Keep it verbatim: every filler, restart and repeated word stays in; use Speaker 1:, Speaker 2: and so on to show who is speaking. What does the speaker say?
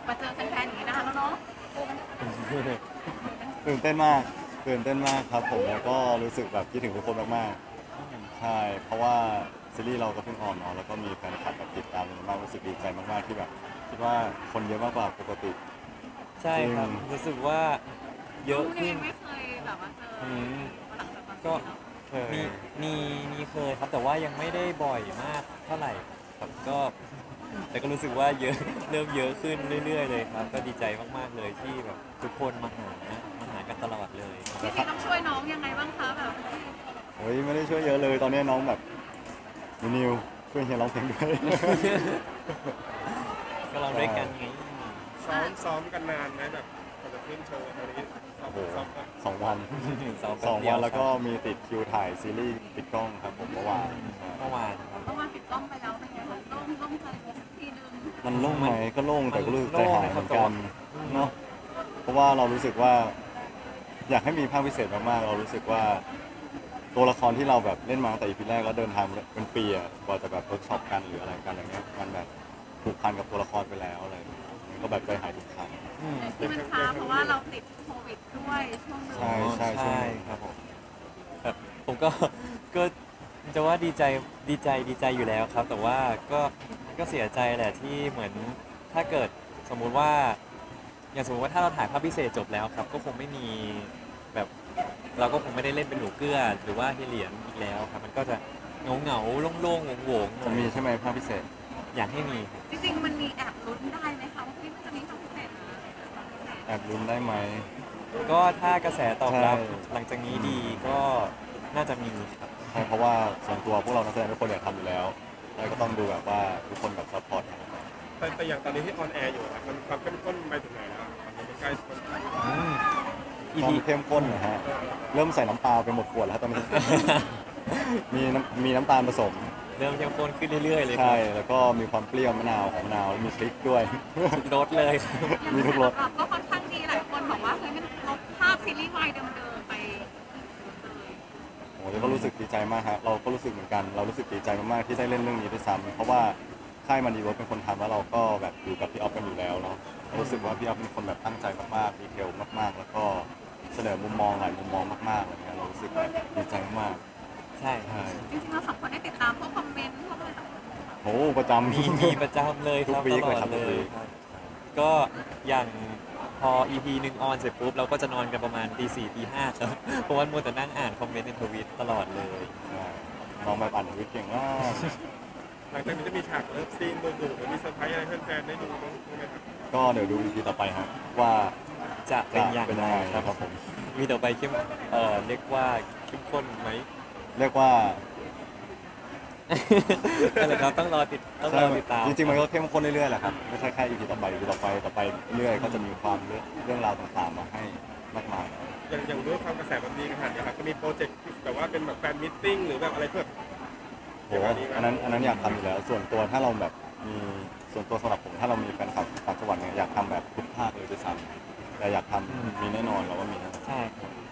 Speaker 1: มาเจอแฟนๆอย่างนี้นะคะแล้วเนาะ
Speaker 2: ตื่นเต้นมากตื่นเต้นมากครับผมแล้วก็รู้สึกแบบคิดถึงทุกคนมากๆใช่เพราะว่าซีรีส์เราก็เพิ่งออนเนาะแล้วก็มีแฟนคลับแบบติดตามมากรู้สึกดีใจมากๆที่แบบคิดว่าคนเยอะมากกว่าปกติ
Speaker 3: ใช่ครับ
Speaker 2: จริง
Speaker 3: รู้สึกว่าเยอะขึ้น
Speaker 1: ยังไม่เคยแบบว่าเจอ
Speaker 3: อืม
Speaker 1: หลังจากตอน
Speaker 3: ก็
Speaker 1: นี้เนาะ
Speaker 2: เคย
Speaker 3: มีมีมีเคยครับแต่ว่ายังไม่ได้บ่อยมากเท่าไหร่ครับก็แต่ก็รู้สึกว่าเยอะเริ่มเยอะขึ้นเรื่อยๆเลยครับก็ดีใจมากๆเลยที่แบบทุกคนมาหามาหากันตลอดเลย
Speaker 1: จริงๆต้องช่วยน้องยังไงบ้างคะแบบ
Speaker 2: โอ้ยไม่ได้ช่วยเยอะเลยตอนนี้น้องแบบนิวช่วยเฮียร้องเพลงด้วย
Speaker 3: ก็เราด้วยกันไง
Speaker 4: ซ้อมซ้อมกันนานไหมแบบก่อนจะขึ้นโชว์ตอนนี้ซ้อม
Speaker 2: โอ้โห
Speaker 4: ซ้อมกัน
Speaker 2: สองวัน
Speaker 3: สอง
Speaker 2: สอง
Speaker 3: เดีย
Speaker 2: วั
Speaker 3: วน
Speaker 2: แล้วก็
Speaker 3: ครับ
Speaker 2: มีติดคิวถ่ายซีรีส์ปิดกล้องครับผมเมื่อวาน
Speaker 3: เมื่อวานครับ
Speaker 1: เมื่อวานปิดกล้องไปแล้วเป็นไงคะโล่งโล่งใจไปสักทีนึง
Speaker 2: มันโล่งไหมก็โล่งแต่ก็รู้สึก
Speaker 3: มัน
Speaker 2: ใจ
Speaker 3: โล่ง
Speaker 2: หายเหมือนกัน
Speaker 3: ครับแต่ว่า
Speaker 2: เนาะเพราะว่าเรารู้สึกว่า อยากให้มีภาคพิเศษมากๆเรารู้สึกว่า ตัวละครที่เราแบบเล่นมาตั้งแต่ อี พี แรกแล้วเดินทางเป็นปีอะกว่าจะแบบเวิร์กช็อปกันหรืออะไรกันอย่างเงี้ยมันแบบผูกพันกับตัวละครไปแล้วอะไรอย่างเงี้ยมันก็แบบใจหายทุกครั้ง
Speaker 3: อืม
Speaker 1: ที่มันช้าเพราะว่าเราติดโควิดด้วยช่วงนึง
Speaker 2: ใช่ใช่ช่วงนี้
Speaker 3: ครับผมแบบผมก็ก็จะว่าดีใจดีใจดีใจอยู่แล้วครับ แต่ว่าก็ก็เสียใจแหละที่เหมือนถ้าเกิดสมมุติว่า อย่างสมมติว่าถ้าเราถ่ายภาพพิเศษจบแล้วครับ ก็คงไม่มีแบบเราก็คงไม่ได้เล่นเป็นหนูเกื้อหรือว่าเฮยเหลียนอีกแล้วครับ มันก็จะเหงาเหงาๆโล่งๆโหวงๆหน่
Speaker 2: จะ
Speaker 3: อย
Speaker 2: มีใช่ไหมภาคพิเศษ
Speaker 3: อยากให้มีครับ
Speaker 1: จริงๆมันมีแอบลุ้นได้ไหมคะว่าพี่มันจะมีความพิเศษนะความพิเศษ
Speaker 2: แอบลุ้นได้ไหม
Speaker 3: ก็ถ้ากระแสตอบรับ
Speaker 2: ใช่
Speaker 3: หลังจากนี้ดีก็น่าจะมีครับ
Speaker 2: ใช่เพราะว่าส่วนตัวพวกเรานักแสดงทุกคนอยากทำอยู่แล้วแล้วก็ต้องดูแบบว่าทุกคนแบบซัพพอร์ตกัน
Speaker 4: แต่แต่อย่างตอนนี้ที่ออนแอร์อยู่อะมันความเข้มข้นไปถึงไหนแล้วตอนนี้มันใกล้มัน
Speaker 3: อืม
Speaker 2: ค
Speaker 3: อี
Speaker 2: วาม
Speaker 3: พี
Speaker 2: เข้มข้นนะฮะเริ่มใส่น้ำปลาไปหมดขวดแล้วตอนนี้ มีน้ำมีน้ำตาลผสม
Speaker 3: เริ่มเข้มข้นขึ้นเรื่อยๆเลยครั
Speaker 2: ใช่
Speaker 3: บ
Speaker 2: แล้วก็มีความเปรี้ยวมะนาวของมะนาวแล้วมีพริกด้วย
Speaker 3: รสเลย
Speaker 2: มีทุกรส
Speaker 1: ก็ค่อนข้างดีหลายคนบอกว่าเฮ้ยมันลบภาพซีรีส์วายเดิมๆไปเลย
Speaker 2: โอ้ยก็รู้สึกดีใจมากฮะเราก็รู้สึกเหมือนกัน เรารู้สึกดีใจมากๆที่ได้เล่นเรื่องนี้ด้วยซ้ำเพราะว่าค่ายมันดีเวิร์คเป็นคนทำแล้วเราก็แบบอยู่กับพี่ออฟกันอยู่แล้วเนาะรู้สึกว่าพี่ออฟเป็นคนแบบตั้งใจมากๆดีเทลมากๆ แล้วก็เสนอมุมมองหลายมุมมองมากๆอะไรเงี้ยเรารู้สึกแบบดีใจมาก
Speaker 3: ใช่
Speaker 2: ๆใช่
Speaker 1: จริงๆเราสองคนได้ติดตามพวกคอมเมนต์พวกอะไรต่าง
Speaker 2: โอ้ประจำ
Speaker 3: มีมีประจำเลยค
Speaker 2: ทุก
Speaker 3: รับ
Speaker 2: วี
Speaker 3: ต
Speaker 2: ค
Speaker 3: ล
Speaker 2: เล
Speaker 3: อย ด
Speaker 2: ครับ
Speaker 3: เล
Speaker 2: ทุกวี
Speaker 3: ย
Speaker 2: ค
Speaker 3: ครับก็อย่างพอ อี พี หนึ่งออนเสร็จปุ๊บเราก็จะนอนกันประมาณตีสี่ตีห้าครับ เพราะว่ามัวแต่นั่งอ่านคอมเมนต์ในทวิตตลอดเลย
Speaker 2: ใช่น้องแบบอ่านทวิตเก่งมาก
Speaker 4: หลังจากนี้จะมีฉากเลิฟซีนดุๆหรือมีเซอร์ไพรส์อะไรให้แฟนๆได้ดูบ้างไหมครับ
Speaker 2: ก็เดี๋ยวดู อี พี ต่อไปฮะว่า
Speaker 3: จะเป็นอย่าง
Speaker 2: เป็น
Speaker 3: ไร
Speaker 2: ยังไง
Speaker 3: ครับ
Speaker 2: ครับผม
Speaker 3: มีต่อไปเข้มเอ่อเรียกว่าเข้มข้นไหม
Speaker 2: เรียกว่า
Speaker 3: นั่นแหละครับต้องรอติดต้องรอติดตาม
Speaker 2: จริงๆมันก็เข้มข้นเรื่อยๆแหละครับไม่ใช่แค่ อี พี ต่อไป อี พี ต่อไปต่อไปเรื่อยก็จะมีความเรื่องเรื่องราวต่างๆมาให้มากมาย
Speaker 4: อย่างอย่างด้วยความกระแสแบบนี้ขนาดนี้ครับก็มีโปรเจกต์แบบว่าเป็นแบบแฟนมิทติ้งหรือแบบอะไรเพื่อ
Speaker 2: โหอันนั้นอันนั้นอยากทำอยู่แล้ว ส่วนตัวถ้าเราแบบมีส่วนตัวสำหรับผมถ้าเรามีแฟนคลับต่างจังหวัดเนี่ยอยากทำแบบทุกภาคเลยด้วยซ้ำแต่อยากทำมีแน่นอนเราว่ามีแน่นอน
Speaker 3: ใช่ครับ